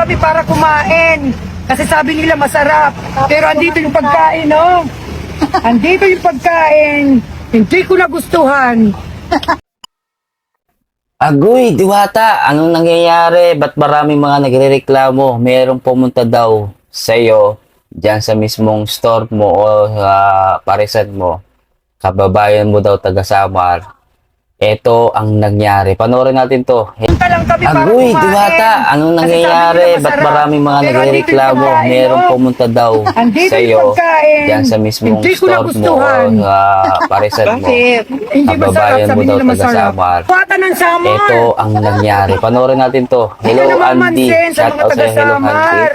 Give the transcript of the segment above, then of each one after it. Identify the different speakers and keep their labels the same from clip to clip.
Speaker 1: kami para kumain. Kasi sabi nila masarap. Pero andito yung pagkain, no? Andito yung pagkain. Hindi ko nagustuhan.
Speaker 2: Agoy, Diwata, anong nangyayari? Ba't maraming mga nagrereklamo? Merong pumunta daw sa'yo dyan sa mismong store mo o parisan mo. Kababayan mo daw taga Samar. Ito ang nangyari. Panoorin natin to.
Speaker 1: Punta lang kami para
Speaker 2: Agoy,
Speaker 1: kumain.
Speaker 2: Diwata, anong
Speaker 1: Kasi
Speaker 2: nangyayari?
Speaker 1: sabi nila
Speaker 2: Ba't
Speaker 1: masarap.
Speaker 2: maraming mga
Speaker 1: Pero andito yung
Speaker 2: nagrereklamo?
Speaker 1: pagkain,
Speaker 2: Merong
Speaker 1: no?
Speaker 2: pumunta daw
Speaker 1: Andito
Speaker 2: sa'yo
Speaker 1: yung pagkain.
Speaker 2: dyan sa mismong
Speaker 1: Hindi ko
Speaker 2: store mo o
Speaker 1: nagustuhan.
Speaker 2: parisan mo.
Speaker 1: Hindi masarap,
Speaker 2: Kababayan mo
Speaker 1: sabi
Speaker 2: daw
Speaker 1: nila
Speaker 2: taga
Speaker 1: masarap.
Speaker 2: Samar.
Speaker 1: Kuwata ng Samar.
Speaker 2: Ito ang nangyari. Panoorin natin to. Hello,
Speaker 1: Hindi naman
Speaker 2: Andy.
Speaker 1: mansin sa
Speaker 2: Shout
Speaker 1: mga
Speaker 2: out
Speaker 1: taga
Speaker 2: sa'yo. Hello,
Speaker 1: Samar.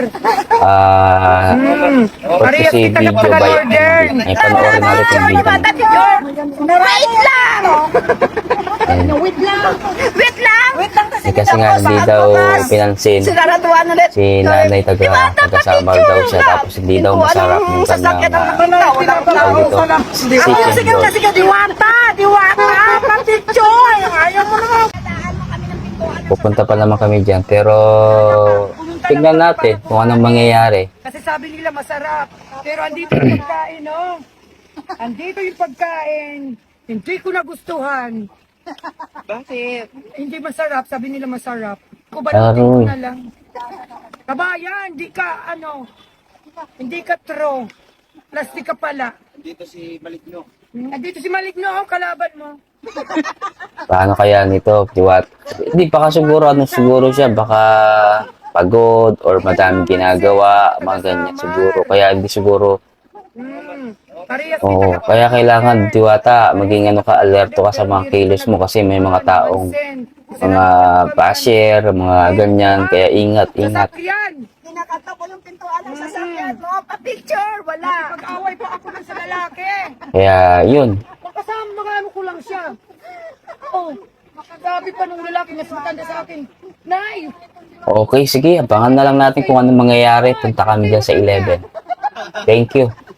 Speaker 2: Andy.
Speaker 1: Parehas
Speaker 2: Courtesy
Speaker 1: kita
Speaker 2: video
Speaker 1: taga
Speaker 2: by
Speaker 1: Northern.
Speaker 2: Andy. Ay, panoorin natin yung video.
Speaker 3: Wait lang!
Speaker 2: Ayun.
Speaker 3: Wait lang!
Speaker 2: Eh, kasi nga hindi daw pinansin
Speaker 3: Sinaraduan ulit.
Speaker 2: si nanay taga Samar daw siya tapos hindi daw masarap yung kanyang tawag dito, chicken roll.
Speaker 3: Sige, Diwata! Diwata! Patitsoy! Ayaw mo naman!
Speaker 2: Pupunta pa naman kami dyan pero tignan natin kung anong mangyayari.
Speaker 1: Kasi sabi nila masarap. Pero andito yung pagkain, no? Andito yung pagkain. Hindi ko nagustuhan.
Speaker 3: Bakit?
Speaker 1: Hindi masarap. Sabi nila masarap. Ko ba
Speaker 2: Aroy.
Speaker 1: na lang? Kabayan, hindi ka, hindi ka true. Plastic ka pala.
Speaker 4: Dito si Maligno.
Speaker 1: Andito si Maligno, kalaban mo.
Speaker 2: Paano kaya nito, Diwat? Hindi pa siguro, siguro siya, baka pagod or madaming ginagawa, mga ganyan siguro. Kaya hindi siguro,
Speaker 1: Parehas
Speaker 2: oo,
Speaker 1: kita
Speaker 2: kaya kailangan, Diwata, maging alerto ka sa mga kilos mo kasi may mga taong, mga basher, mga ganyan, kaya ingat.
Speaker 1: Sasakyan.
Speaker 3: Kinakanta ko yung pintuan ng sasakyan mo. Pa-picture! Wala!
Speaker 1: Pag-away pa ako lang sa lalaki.
Speaker 2: Kaya, yun.
Speaker 1: Makasama mga ano ko lang siya. Oh, sabi pa nung lalaki mas matanda sa akin. Nay!
Speaker 2: Okay, sige, abangan na lang natin kung anong mangyayari. Punta kami dyan sa 11. Thank you.